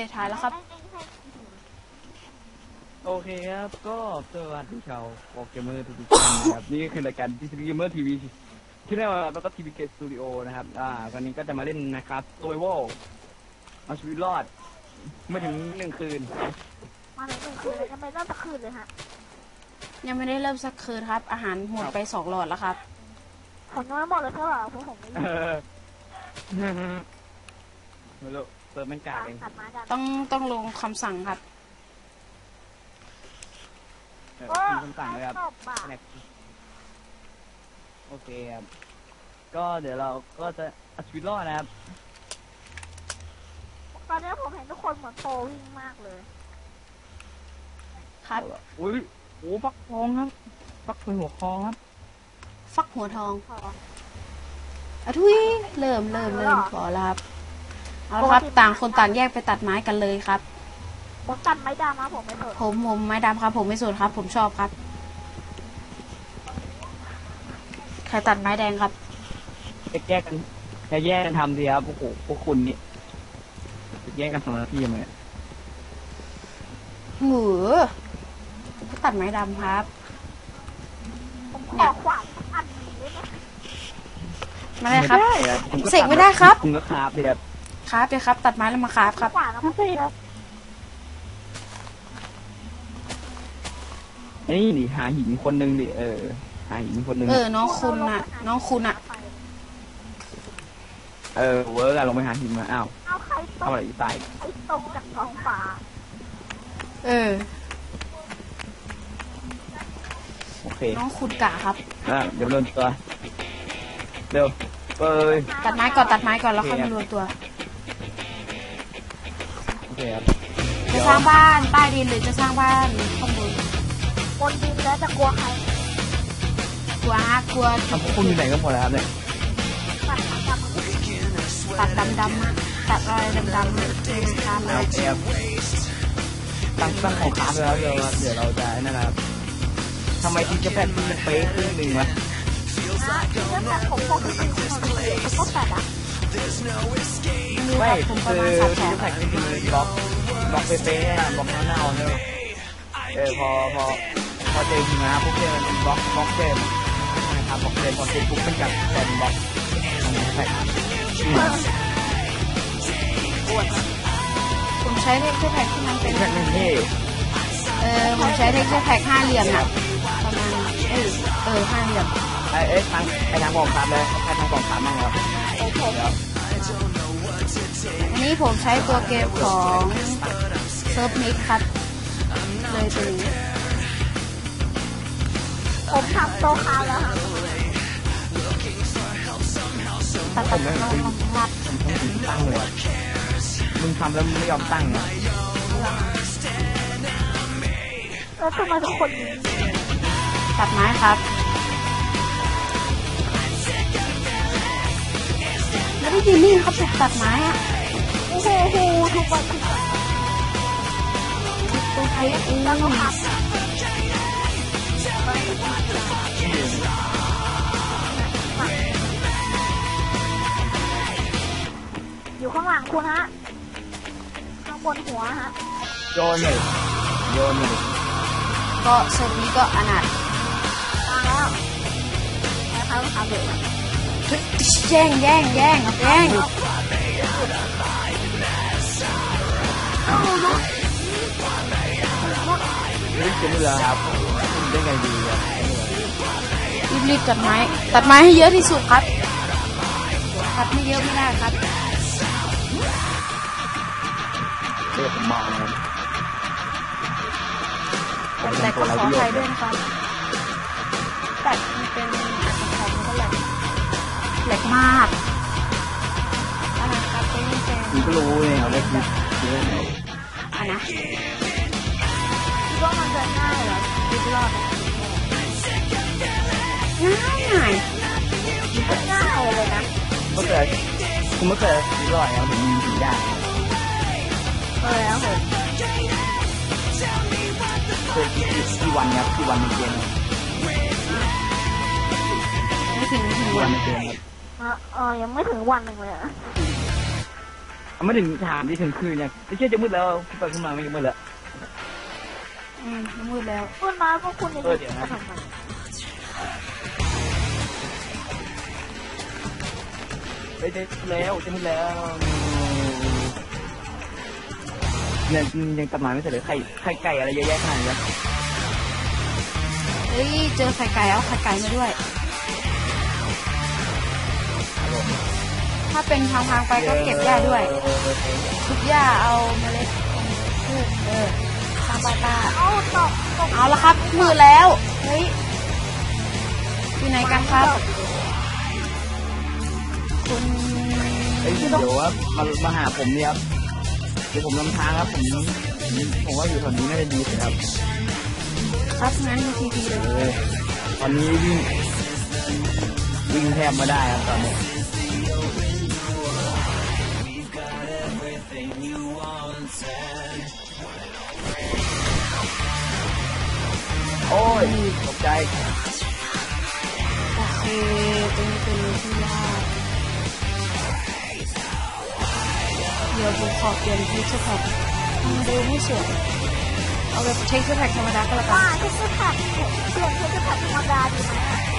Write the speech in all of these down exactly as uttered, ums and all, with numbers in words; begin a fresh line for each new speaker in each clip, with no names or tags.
ถ่ายแล้วครับ
โอเคครับก็สวัสดีชาวโปเกมเมอร์ทุกท่านนะครับนี่คือรายการทีวีเกมเมอร์ทีวีที่เรียกว่าแล้วก็ทีวีเกมสตูดิโอนะครับอ่าวันนี้ก็จะมาเล่นนะครับโซเวอลเอาชีวิตรอดไม่ถึงหนึ่งคืน
มาถึงหนึ่งคืนเลยทำไมเริ่มสักคืนเลยฮะ
ยังไม่ได้เริ่มสักคืนครับอาหารหมดไปสองหลอดแล้วครับ
ผมยังไม่หมดเลยใช่ป่ะเพราะผมไม่รู้
ไม่รู้เติมเป็นกากเอง
ต้องต้องลงคำสั่งครับ
มีคำสั่งเลยครับโอเคครับก็เดี๋ยวเราก็จะเอาชีวิตรอดนะครับ
ตอนนี้ผมเห็นทุกคนเหมือนโตวิ่งมากเลย
ครับ
อุ้ยโอ้ฟักทองครับฟักเป็นหัวคองครับ
ฟักหัวทองอะทุยเริ่มเริ่มเริ่มพอแล้วครับเอาละครับต่างคนต่างแยกไปตัดไม้กันเลยครับ
ผมตัดไม้ดำครับผมไม่สน
ผมผมไม้ดำครับผมไม่สนครับผมชอบครับใครตัดไม้แดงครับ
จะแยกกันจะแยกกันทำดีครับโอ้โหพวกคุณนี่จะแยกกันทำหน้าที่ยังไง
หือตัดไม้ดำครับ
ผมขอขวานอันนี้ได้ไหม
มาเลยครับเสกไม่ได้ครับ
คุณก็คาบเลยครับ
คาบเลยครับตัดไม้แล้วมาคาบครับ
ขวานแล้วไม่ใช่ครับ
นี่ดิหาหินคนหนึ่งดิเออหาหินคนหนึ่ง
เออน้องคุณน่ะน้องคุณน่ะ
เออเวิร์กอะลงไปหาหินมาอ้าว
เอาใครตก
อะไรตาย
ใครตกจากท้องฟ้า
เออ
โอเค
น้องคุณกะครับ
อ่ะเดี๋ยวโดนตัวเร็วเปิด
ตัดไม้ก่อนตัดไม้ก่อนแล้วค่อยมาโดนตัว
โอเคครับ
จะสร้างบ้านใต้ดินหรือจะสร้างบ้านข้างบน
บนดินแล้วจะกลัวใคร
กลัวฮะกลัว
ทำคุณอยู่ไหนก็หมดแล้วครับเนี่ย
ตัดดำดำมาตัดรอยดำดำมาเออทำเลย
ตั้งตั้งของขาไปแล้วเดี๋ยวเดี๋ยวเราจะนั่นนะครับทำไมทีจะแปดทีจะเป๊ะครึ่งหนึ่งวะ
ผมพกที่เป็นคนพกแปดอ่ะ
ไม่คือทีจะแปดทีบล็อกบล็อกเป๊ะๆบล็อกเน่าๆเนี่ยเออพอพอพอเจอหิมะพวกเจมันบล็อกบล็อกเจมนะครับบล็อกเจมพอเจอปุ๊บเป็นกับแทนบล็อกแท็ก
ผมใช้เทคเจอร์แพ็กที่มันเป็น
แท็กนี่
เออผมใช้เทคเจอร์แพ็กห้าเหลี่ยมน่ะประมาณเออเออห้าเหลี่ยม
ไอ้เอ๊ะทางไอ้ทางกองทัพเลยไอ้ทางกองทัพมั่งครับ
อันนี้ผมใช้ตัวเกมของเซิร์ฟมิกครับเลยตัวนี้
ผมทำโตคาแล้วค่ะ
ตัดตัดตัดตัด
ตั้งเลยมึงทำแล้วมึงไม่ยอมตั้งอ่ะ
แล้วทำไมทุกคน
ตัดไม้ครับไม่ได้ยินนี่เขาตัดไม้อ่ะ
โอ้โหทุกวัน
ตัวใครอุ้ง
อยู่ข้างหลังคุณฮะข้างบนหัวฮะ
โยนเลยโยนเลย
ก็เซอร์นี้ก็อนาถ
มาแล้วแล้วเขาทำเลย
แย่งแย่งแย่งแย่ง
นี่เป็นเรือครับได้ไงดีครับ
รีบๆตัดไม้ตัดไม้ให้เยอะที่สุดครับตัดไม่เยอะไม่ได้ครับ
เรียกผมมองครับ
แต่ก็ขอใครด้วยนะครับแต่มันเป็นอัตราของมันก็แหลกแหลกมากอะไรครับเป็นเป็น
คุณก็รู้เลยเอาได้คิดเยอะเลย
อ่ะนะ
คิดว่ามันจะง่ายเหรอคิดรอด
ง่ายง่าย
ง่ายเลยนะ
เมื่อเกิดคุณเมื่อเกิดคิดรอดแล้วถึงถึงยาก
เออแล้วผม
เคยคิดที่วันครับที่วันในเกม
ไม่ถึงถึงวันในเกม
ครับ
เออยังไม่ถึงวันหนึ่งเลยอ่ะ
ทไม่ถึงถามที่ถึงคืนยังไม่เชื่อจะมืดแล้วขึ้นไปขึ้นมาไม่มืดแล้ว
อืมมืดแล้ว
คุณมาพวกคุณยังจะทำไม
ไปเจอแล้วจะมืดแล้วยังยังตัดไม้ไม่เสร็จเลยไข่ไข่ไก่อะไรเยอะแยะขนาดนี้
เฮ้ยเจอไข่ไก่เอาไข่ไก่มาด้วย ถ้าเป็นทางทางไปก็เก็บหญ้าด้วยทุกหญ้าเอาเมล็ดพืชเออซาบาตา
เอาตกตก
เอาละครับมืดแล้วเฮ้ยอยู่ไหนกันครับคุณ
เฮ้ยเดี๋ยวว่ามามาหาผมเนี่ยครับเดี๋ยวผมนำทางครับผมผมว่าอยู่แถวนี้น่าจะดีสุดครับ
ครับงั้นมีทีพีเลย
เออตอนนี้วิ่งวิ่งแทบไม่ได้ครับตอนนี้โอ้ยตกใจ
โอเคตรงนี้เป็นที่ยากเดี๋ยวผมขอเปลี่ยนเทคเจอร์แพ็คมันดูไม่สวยเอาแบบเทคเจอร์แพ็คธรรมดาก็แล้วกั
ว่าน เทคนิคแท็กเปลี่ยนเทคนิคแท็กธรรมดาดีไหม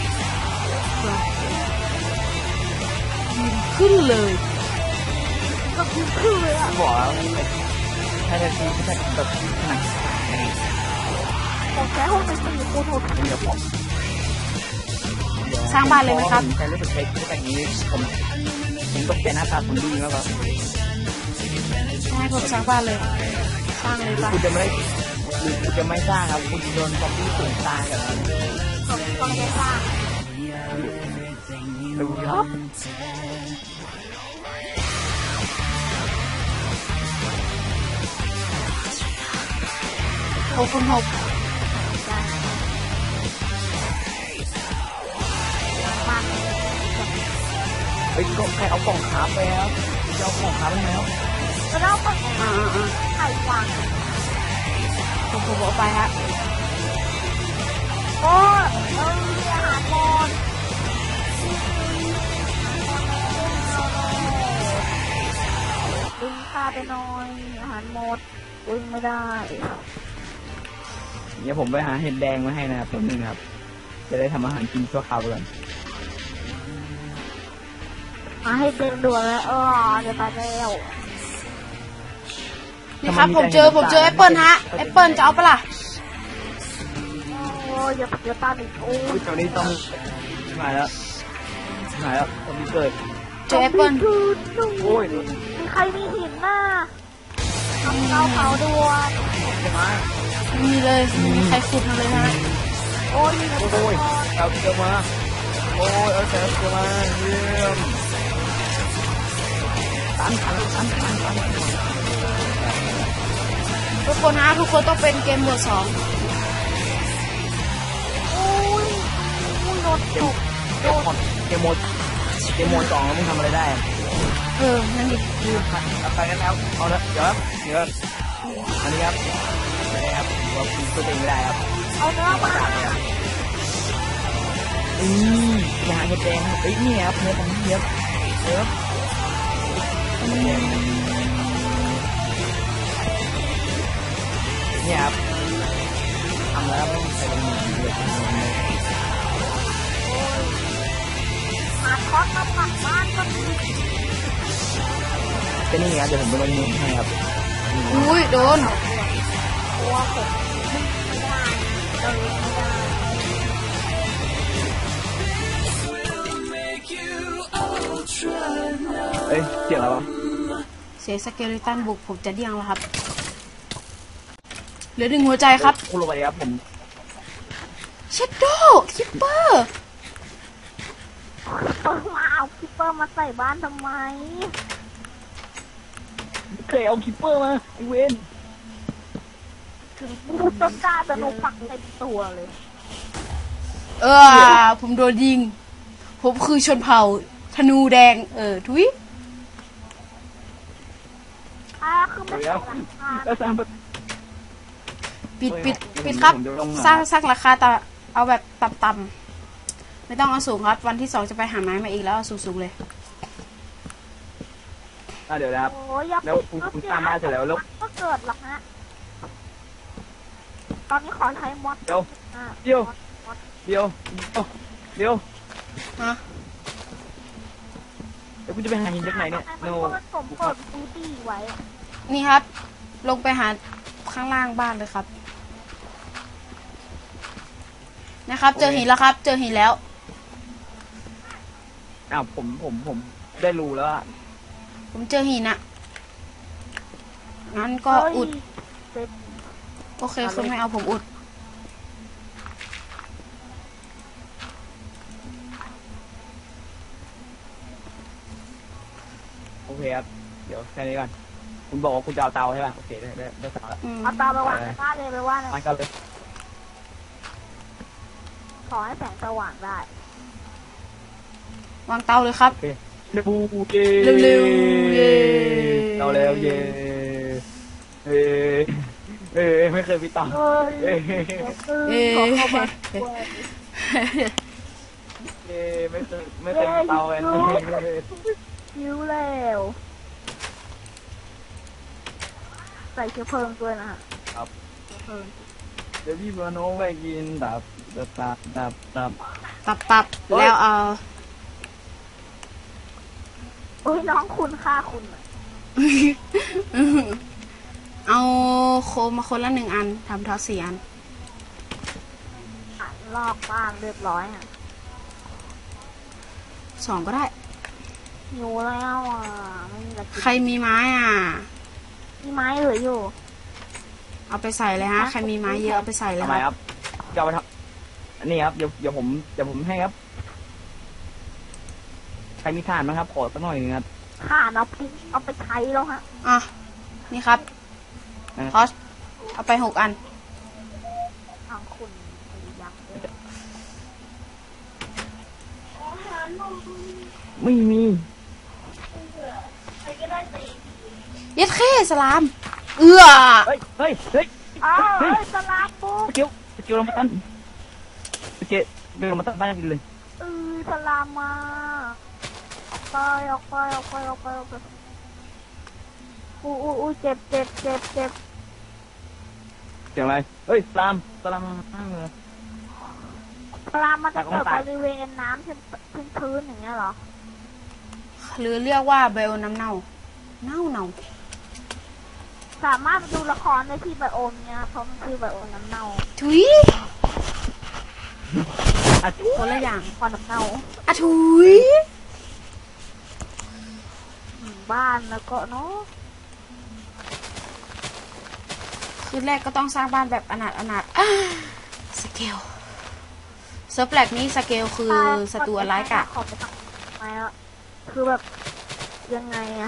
ขึ้นเลย
ก็คือคือเลยอ่ะ
บอกแล้วถ้าจะซื้อถ้าแบบหนัง
ผมใช้ห้องเป็นสี่คูณหก
เดี๋ยวผม
สร้างบ้านเลยไหมครับ
ใช้รู้สึกใช้แบบนี้ผมผมต้องเปลี่ยนหน้าตาผมดีมากครับ
ให้ผมสร้างบ้านเลย สร้างเลยปะ
คุณจะไม่ได้หรือคุณจะไม่สร้างครับคุณโดนซอมบี้สูงตายกันครับ
ผมก็ไม่ได้สร้าง
ดูครับ
หกคูณหก
บ้าน
เฮ้ยก็ใครเอากล่องขาไปครับจะเอากล่องขาไปแล้ว
แล้วเราก็
อ่าอ่า
ไข่วาง
ผมผมเอาไปฮะ
โอ้เรามีอาหารหมดดึงค่าไปหน่อยอาหารหมดดึงไม่ได้
เดี๋ยวผมไปหาเห็ดแดงมาให้นะครับตัวนึงครับจะได้ทำอาหารกินชั่วคราวก่อน
มาให้เดินด่วนแล้วเออเดี๋ยวไปแล้ว
นี่ครับผมเจอผมเจอแอปเปิลฮะแอปเปิลจะเอาปะล่ะ
โอ้ยอย่าอย่าตามอีกโอ้
อุ้
ย
ยตอนนี้ต้องมาแล้วมาแล้วตอนนี้เกิด
เจอแอปเปิล
โอ้ย
มีใครมีหินน่ะทำเตาเผาด่วน
จะมา
ไม่มีเลยไม่มีใครขุดมาเลยฮะ
โอ้ยมีคน
โอ้ย
ก่อน
เอาเกลือมาโอ้ยเอาแต่เกลือมาเยี่ยมตันตันตันตันตัน
ทุกคนฮะทุกคนต้องเป็นเกมโหมดสอง
โอ้ยโอ้ยรถ
เก
ต
ม
ก
เกมหมดเกมหมดเกมหมดสองแล้วมึงทำอะไรได้
เออนั่นดิ
เอาไปกันแล้วเอาละเดี๋ยวเดี๋ยวอันนี้ครับไม่ได้ครับว่าคุณตัวเองไม่ได้ครับ
เอาเนื้อมา
อืมยาเห็ดแดงเอ้ยนี่ครับเนื้อของเนื้อเนื้อเนี่ยครับทำแล้วใส่ลงมือเดือด
หาคอสมาปักบ้านก็มี
ก็นี่ครับเดี๋ยวผมไปลงมือให้ครับ
อุ้ยโดน
ตัวผมไม่ได้เดินไม่ได้
เอ้ยเสียงอะไรวะ
เสียสเกลิตันบุกผมจะเดี่ยงแล้วครับเหลือหนึ่งหัวใจครับ
คุณลงไปครับผม
เชดโดคิปเปอร์
เออมาเอาคิปเปอร์มาใส่บ้านทำไม
เคยเอาคิปเปอร์มาไอเวน
ถึงพูดต้นกล้าจะโนปักเต็มตัวเลย
เออผมโดนยิงผมคือชนเผ่าธนูแดงเออทุย
อ่าคือไม่
เดี๋ยว
ใส่หลังคา
แล้วสร้าง
ปิดปิดปิดครับสร้างสร้างราคาต่ำเอาแบบต่ำๆไม่ต้องเอาสูงครับวันที่สองจะไปหาไม้มาอีกแล้วเอาสูงๆเลย
อ่ะเดี๋ยวนะครับ
โอ้ยอย่า
แล้วคุณคุณตามมาเสร็จแล้วแล้ว
ก็เกิดหรอกฮะตอนนี้ขอใช้มอส
เดี๋ยว
อ่ะ
เดี๋ยวเดี๋ยวเดี๋ยว
ฮะ
เดี๋ยวกูจะไปหาหินจากไหนเนี่ย
ไอ้
โน
มันผมเปิดบูตี้ไว้
นี่ครับ ลงไปหาข้างล่างบ้านเลยครับนะครับ เจอหินแล้วครับ เจอหินแล้ว
อ้าวผมผมผมได้รู้แล้วอะ
ผมเจอหินอะงั้นก็อุด
เฮ้ย
โอเคคุณไม่เอาผมอุด
โอเคครับเดี๋ยวแค่นี้ก่อนคุณบอกว่าคุณจะเอาเตาใช่ป่ะโอเคได้ได้ได้เตาแล้ว
อืม
เอาตาไปวางในบ้านเลยไปว่าเลย
มันก็เลย
ขอให้แสงสว่างได้
วางเตาเลยครับ
โอเคเรบูเย่
เร็วๆเย่
เราแล้วเย่เอ้เอ้ไม่เคยมีเตา
เฮ้ย
เอ้
เอ๊
ขอเข้ามา
ะ
เอ้ไม่เคยไม่เคยมีเตากัน
คิ้วแล้วใส่เชื้อเพลิงด้วยนะฮะ
ครับ
เชื้อเพลิง
เดี๋ยวพี่มาโน้ไปกินตับตับตับตับตับ
ตับตับแล้วเอา
โอ้ยน้องคุณค่าคุณอะ
เอาโคมมาคนละหนึ่งอันทำเท้าสี่อัน
อ่ะลอกบ้านเรียบร้อยอ่ะ
สองก็ได้
หิวแล้วอ่ะไม่มีอะไรกิน
ใครมีไม้อ่ะ
มีไม้เหลืออยู่
เอาไปใส่เลยฮะ ใครมีไม้เยอะเอาไปใส่เลย
ทำไม
ค
ครับ รับจะเอาไปทำนี่ครับเดี๋ยวเดี๋ยวผมเดี๋ยวผมให้ครับใครมีถ่านไหมครับขอสักหน่อยนึงครับ
ข่านเอาไปเอาไปใช้แล้วฮะ
อ่ะ นี่ครับ
นะ
ทอสเอาไปหกอัน
ทางคุณพยายามเลย
ไม่มี
ยัดเข้สลาม เอื้อ
เฮ้ยเฮ้ยเฮ้ย
อ้าวเฮ้ยสลามบุก
สกิลสกิลลงมาตั้นสกิลเดินลงมาตั้นบ้านกินเลย
เออสลามมาออกไปออกไปออกไปออกไปออกไปอู้อู้อู้เจ็บเจ็บเจ็บเจ็บ
เสียงอะไรเฮ้ยสลามสลามตั้งเลย
สลามมันจะเกิด
ตาย
บริเวณน้ำชื้นชื้นๆอย่างเงี้ยเหรอ
หรือเรียกว่าไบโอน้ำเน่า เน่าเน่า
สามารถดูละครได้ที่ไบโอมเนี่ยเพราะมันคือไบโอมน้ำเน่า
ถุย
อ่ะ
คนละอย่าง
คอนน้ำเน่า
อ่ะถุย
หมู่บ้านแล้วก็เนาะ
คืนแรกก็ต้องสร้างบ้านแบบอนาถอนาถอ่าสเกลเซิร์ฟแลกนี้สเกลคือศัตรูร้ายกาจ
ขอไปทำไมอ่ะคือแบบยังไงอะ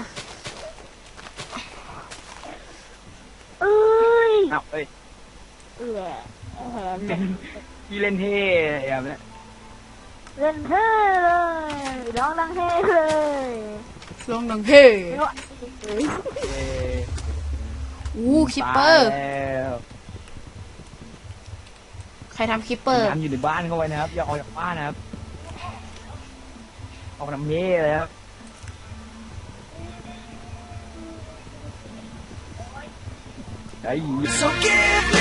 เอ้ย
อ้าวเฮ้ย
เอือแหม
พี่เล่นเท่แบบนี้
เล่นเท่เลยร้องดังเท่เลย
ลงดังเฮ้
ไม่ว่าเอ้ย
เอ้ย
อู้คิปเปอร์
ตายแล้ว
ใครทำคิปเปอร์
น้ำอยู่ในบ้านเข้าไว้นะครับอย่าออกจากบ้านนะครับออกน้ำเย่เลยครับไอ้
So give